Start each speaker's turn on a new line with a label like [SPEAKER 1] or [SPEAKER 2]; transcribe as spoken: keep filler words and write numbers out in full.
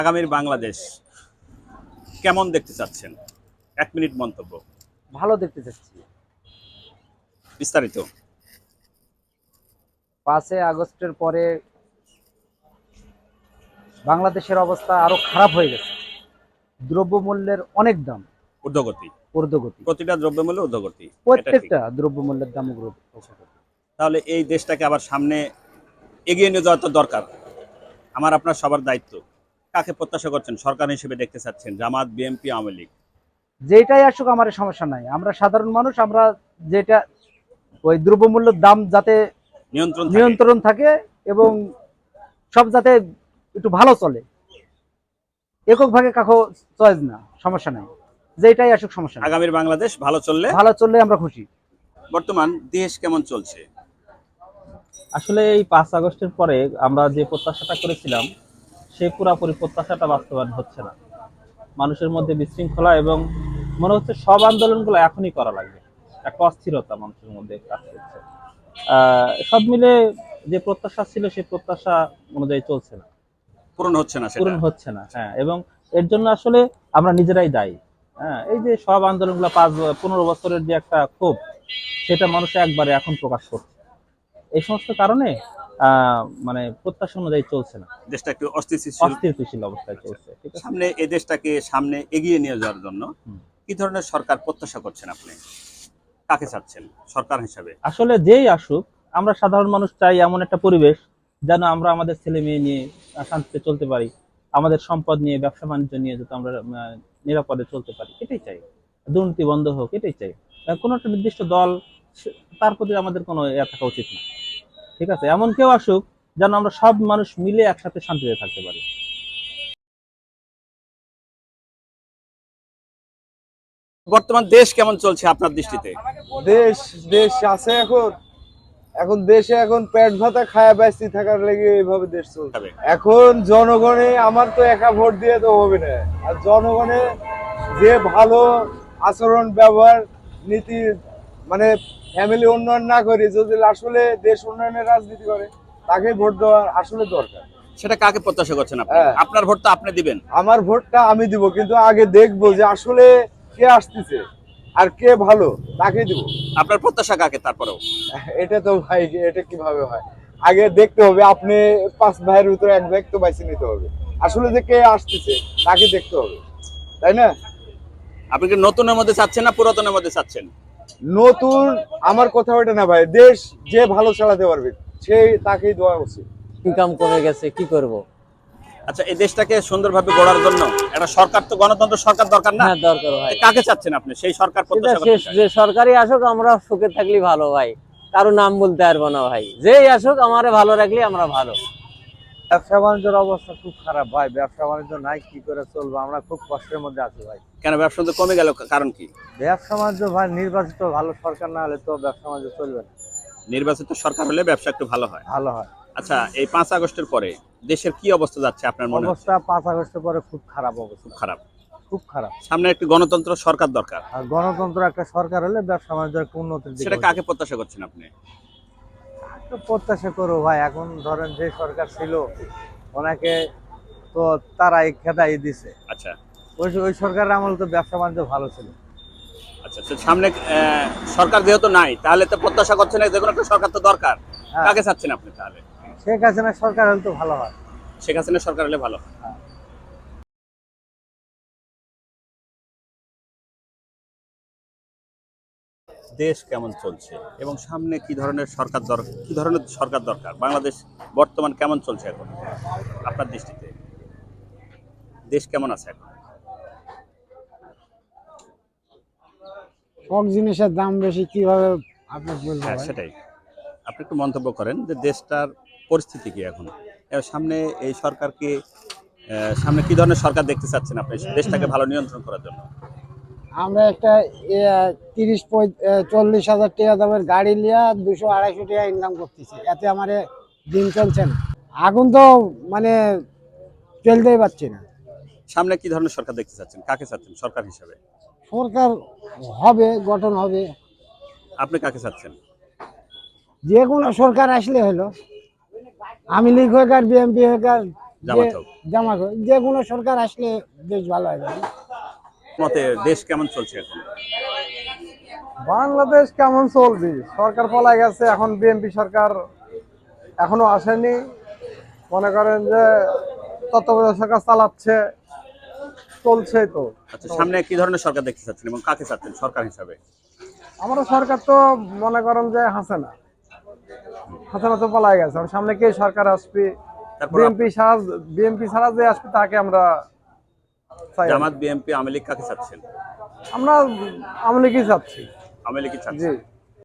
[SPEAKER 1] আগামীর বাংলাদেশ কেমন দেখতে চাচ্ছেন? এক মিনিট মন্তব্য।
[SPEAKER 2] ভালো দেখতে চাচ্ছি।
[SPEAKER 1] বিস্তারিত।
[SPEAKER 2] পাঁচই আগস্টের পরে বাংলাদেশের অবস্থা আরো খারাপ হয়ে গেছে। দ্রব্যমূল্যের অনেক দাম
[SPEAKER 1] ঊর্ধ্বগতি।
[SPEAKER 2] ঊর্ধ্বগতি।
[SPEAKER 1] প্রতিটা দ্রব্যমূল্য ঊর্ধ্বগতি। এটা ঠিক।
[SPEAKER 2] প্রত্যেকটা দ্রব্যমূল্যের দাম ঊর্ধ্বগতি।
[SPEAKER 1] তাহলে এই দেশটাকে আবার সামনে এগিয়ে নিয়ে যাওয়া তো দরকার। আমার আপনার সবার দায়িত্ব। কাকে প্রত্যাশা করছেন সরকার হিসেবে দেখতে চাচ্ছেন? জামাত, বিএনপি, আওয়ামী লীগ?
[SPEAKER 2] যেটাই আসুক আমার সমস্যা নাই। আমরা সাধারণ মানুষ, আমরা যেটা ওই দ্রব্যমূল্যের দাম যাতে
[SPEAKER 1] নিয়ন্ত্রণ থাকে।
[SPEAKER 2] নিয়ন্ত্রণ থাকে এবং সব যাতে একটু ভালো চলে, একক ভাগে কাকো চয়েস না, সমস্যা নাই। যেটাই আসুক সমস্যা নাই।
[SPEAKER 1] আগামীর বাংলাদেশ ভালো চললে
[SPEAKER 2] ভালো চললে আমরা খুশি।
[SPEAKER 1] বর্তমান দেশ কেমন চলছে?
[SPEAKER 3] আসলে এই পাঁচ আগস্টের পরে আমরা যে প্রত্যাশাটা করেছিলাম সেই পুরাপুরি প্রত্যাশাটা বাস্তবায়ন হচ্ছে না। মানুষের মধ্যে বিশৃঙ্খলা এবং মনে হচ্ছে সব আন্দোলনগুলো এখনই করা লাগবে, একটা অস্থিরতা মানুষের মধ্যে কাজ করছে। আহ সব মিলে যে প্রত্যাশা ছিল সেই প্রত্যাশা অনুযায়ী চলছে না,
[SPEAKER 1] পূরণ হচ্ছে না,
[SPEAKER 3] পূরণ
[SPEAKER 1] সেটা
[SPEAKER 3] হচ্ছে না। হ্যাঁ, এবং এর জন্য আসলে আমরা নিজেরাই দায়ী। হ্যাঁ, এই যে সব আন্দোলনগুলো পাঁচ পনেরো বছরের যে একটা ক্ষোভ, সেটা মানুষ একবারে এখন প্রকাশ করছে। এই সমস্ত কারণে আহ মানে প্রত্যাশা অনুযায়ী চলছে না,
[SPEAKER 1] দেশটা একটু অস্থিতিশীল
[SPEAKER 3] অস্থিতিশীল অবস্থায় চলছে। ঠিক আছে,
[SPEAKER 1] সামনে এই দেশটাকে সামনে এগিয়ে নিয়ে যাওয়ার জন্য
[SPEAKER 3] হুম।
[SPEAKER 1] কি ধরনের সরকার প্রত্যাশা করছেন আপনি? কাকে চাচ্ছেন সরকার হিসাবে?
[SPEAKER 3] আসলে যেই আসুক, আমরা সাধারণ মানুষ চাই এমন একটা পরিবেশ যেন আমরা আমাদের ছেলে মেয়ে নিয়ে আহ, শান্তিতে চলতে পারি, আমাদের সম্পদ নিয়ে, ব্যবসা বাণিজ্য নিয়ে যাতে আমরা আহ, নিরাপদে চলতে পারি, এটাই চাই। দুর্নীতি বন্ধ হোক, এটাই চাই। আহ, কোনো একটা নির্দিষ্ট দল, সে- তার প্রতি আমাদের কোনো ইয়ে থাকা উচিত না। ঠিক আছে, এমন কেউ আসুক যেন আমরা সব মানুষ মিলে একসাথে শান্তিতে থাকতে পারি।
[SPEAKER 1] বর্তমান দেশ কেমন চলছে আপনার দৃষ্টিতে?
[SPEAKER 4] দেশ দেশ আছে এখন এখন দেশে এখন পেট ভাতা খায়া ব্যস্ত থাকার লেগে এইভাবে দেশ চলছে।
[SPEAKER 1] তবে
[SPEAKER 4] এখন জনগণে আমার তো একা ভোট দিয়ে তো হবে না, আর জনগণে যে ভালো আচরণ ব্যবহার নীতি মানে ফ্যামিলি উন্নয়ন না করে যদি আসলে দেশ উন্নয়নের রাজনীতি করে তাকে ভোট দেওয়া আসলে দরকার।
[SPEAKER 1] সেটা কাকে প্রত্যাশা করছেন আপনি?
[SPEAKER 4] হ্যাঁ।
[SPEAKER 1] আপনার ভোট তো আপনি দিবেন।
[SPEAKER 4] আমার ভোটটা আমি দিব, কিন্তু আগে দেখবো যে আসলে কে আসতেছে আর কে ভালো তাকে দিব।
[SPEAKER 1] আপনার প্রত্যাশা কাকে তারপরেও?
[SPEAKER 4] এটা তো ভাই, এটা কিভাবে হয়? আগে দেখতে হবে, আপনি পাঁচ ভাইয়ের ভিতরে এক ভাই তো বাইছে নিতে হবে, আসলে যে কে আসতেছে তাকে দেখতে হবে, তাই না?
[SPEAKER 1] আপনি কি নতুনের মধ্যে চাচ্ছেন না পুরাতনের মধ্যে চাচ্ছেন?
[SPEAKER 4] নতুন আমার কথা ওইটা না ভাই, দেশ যে ভালো চালাতে পারবে সেই তাকেই দেওয়া উচিত।
[SPEAKER 5] ইনকাম কমে গেছে, কি করব?
[SPEAKER 1] আচ্ছা, এই দেশটাকে সুন্দরভাবে গড়ার জন্য একটা সরকার, তো গণতন্ত্র সরকার দরকার না?
[SPEAKER 5] হ্যাঁ, দরকার ভাই।
[SPEAKER 1] কাকে চাচ্ছেন আপনি? সেই সরকার
[SPEAKER 5] সেটা
[SPEAKER 1] প্রত্যাশা
[SPEAKER 5] শেষ,
[SPEAKER 1] করছেন?
[SPEAKER 5] যে সরকারি আসুক আমরা সুখে থাকলে ভালো ভাই, কারো নাম বলতে পারবো না ভাই। যেই আসুক আমারে ভালো রাখলে আমরা ভালো।
[SPEAKER 2] ব্যবসা বাণিজ্যের অবস্থা খুব খারাপ ভাই। ব্যবসা বাণিজ্য নাই, কি করে চলবো? আমরা খুব কষ্টের মধ্যে আছি ভাই।
[SPEAKER 1] কেন ব্যবসা তো কমে গেল, কারণ কি?
[SPEAKER 2] ব্যবসা বাণিজ্য ভাই, নির্বাচিত ভালো সরকার না হলে তো ব্যবসা বাণিজ্য চলবে না।
[SPEAKER 1] নির্বাচিত সরকার হলে ব্যবসা একটু ভালো হয়।
[SPEAKER 2] ভালো হয়।
[SPEAKER 1] আচ্ছা, এই পাঁচ আগস্টের পরে দেশের কি অবস্থা যাচ্ছে আপনার মনে হচ্ছে?
[SPEAKER 2] অবস্থা পাঁচ আগস্টের পরে খুব খারাপ অবস্থা,
[SPEAKER 1] খুব খারাপ।
[SPEAKER 2] খুব খারাপ।
[SPEAKER 1] সামনে একটি গণতন্ত্র সরকার দরকার।
[SPEAKER 2] আর গণতন্ত্র একটা সরকার হলে ব্যবসা বাণিজ্যের একটা উন্নতির দিকে
[SPEAKER 1] সেটা
[SPEAKER 2] হবে।
[SPEAKER 1] কাকে প্রত্যাশা করছেন আপনি?
[SPEAKER 2] তো প্রত্যাশা করো ভাই, এখন ধরেন যে সরকার ছিল ওনাকে তো তারাই খেদাই দিছে।
[SPEAKER 1] আচ্ছা
[SPEAKER 2] ওই ওই সরকারের আমল তো ব্যবসা বাণিজ্য ভালো ছিল।
[SPEAKER 1] আচ্ছা, তো সামনে আহ, সরকার যেহেতু নাই, তাহলে তো প্রত্যাশা করছেন যে কোনো একটা সরকার তো দরকার।
[SPEAKER 2] হ্যাঁ।
[SPEAKER 1] কাকে চাচ্ছেন আপনি তাহলে?
[SPEAKER 2] শেখ হাসিনা সরকার হলে তো ভালো হয়।
[SPEAKER 1] শেখ হাসিনা সরকার হলে ভালো হয়।
[SPEAKER 2] হ্যাঁ।
[SPEAKER 1] দেশ কেমন চলছে এবং সামনে কি ধরনের সরকার দরকার, কি ধরনের সরকার দরকার? বাংলাদেশ বর্তমান কেমন চলছে এখন আপনার দৃষ্টিতে? দেশ কেমন আছে এখন?
[SPEAKER 6] সব জিনিসের দাম বেশি, কিভাবে আপনি বলবো
[SPEAKER 1] হ্যাঁ,
[SPEAKER 6] ভাই?
[SPEAKER 1] সেটাই। আপনি একটু মন্তব্য করেন যে দেশটার পরিস্থিতি কি এখন, এর সামনে এই সরকারকে আহ, সামনে কি ধরনের সরকার দেখতে চাচ্ছেন আপনি দেশটাকে ভালো নিয়ন্ত্রণ করার জন্য?
[SPEAKER 6] আমরা একটা তিরিশ চল্লিশ হাজার টাকা দামের গাড়ি লিয়া দুশো আড়াইশো টাকা ইনকাম করতেছি, এতে আমার দিন চলছে না। এখন তো মানে চলতেই পারছি না।
[SPEAKER 1] সামনে কি ধরনের সরকার দেখতে চাচ্ছেন? কাকে চাচ্ছেন সরকার হিসাবে?
[SPEAKER 6] সরকার হবে, গঠন হবে,
[SPEAKER 1] আপনি কাকে চাচ্ছেন?
[SPEAKER 6] যে কোনো সরকার আসলে হলো, আওয়ামী লীগ হোক আর বিএনপি হোক আর
[SPEAKER 1] জামাত হোক।
[SPEAKER 6] জামাত হোক। যে কোনো সরকার আসলে দেশ ভালো হবে।
[SPEAKER 1] মতে দেশ কেমন চলছে এখন?
[SPEAKER 4] বাংলাদেশ কেমন চলবে, সরকার পলাই গেছে, এখন বিএনপি সরকার এখনো আসেনি। মনে করেন যে তত্ত্বাবধায়ক সরকার চালাচ্ছে, চলছে তো।
[SPEAKER 1] আচ্ছা, সামনে কি ধরনের সরকার দেখতে চাচ্ছেন এবং কাকে চাচ্ছেন সরকার হিসাবে?
[SPEAKER 4] আমরা সরকার তো মনে করেন যে হাসিনা হাসিনা তো পলাই গেছে, আর সামনে কে সরকার আসবে?
[SPEAKER 1] তারপর
[SPEAKER 4] বিএনপি ছাড়া বিএনপি ছাড়া যে আসবে তাকে আমরা চাই।
[SPEAKER 1] জামাত, বিএনপি, আওয়ামী লীগ কাকে চাচ্ছেন?
[SPEAKER 4] আমরা আওয়ামী লীগই চাচ্ছি।
[SPEAKER 1] আওয়ামী লীগই চাচ্ছেন।
[SPEAKER 4] জি।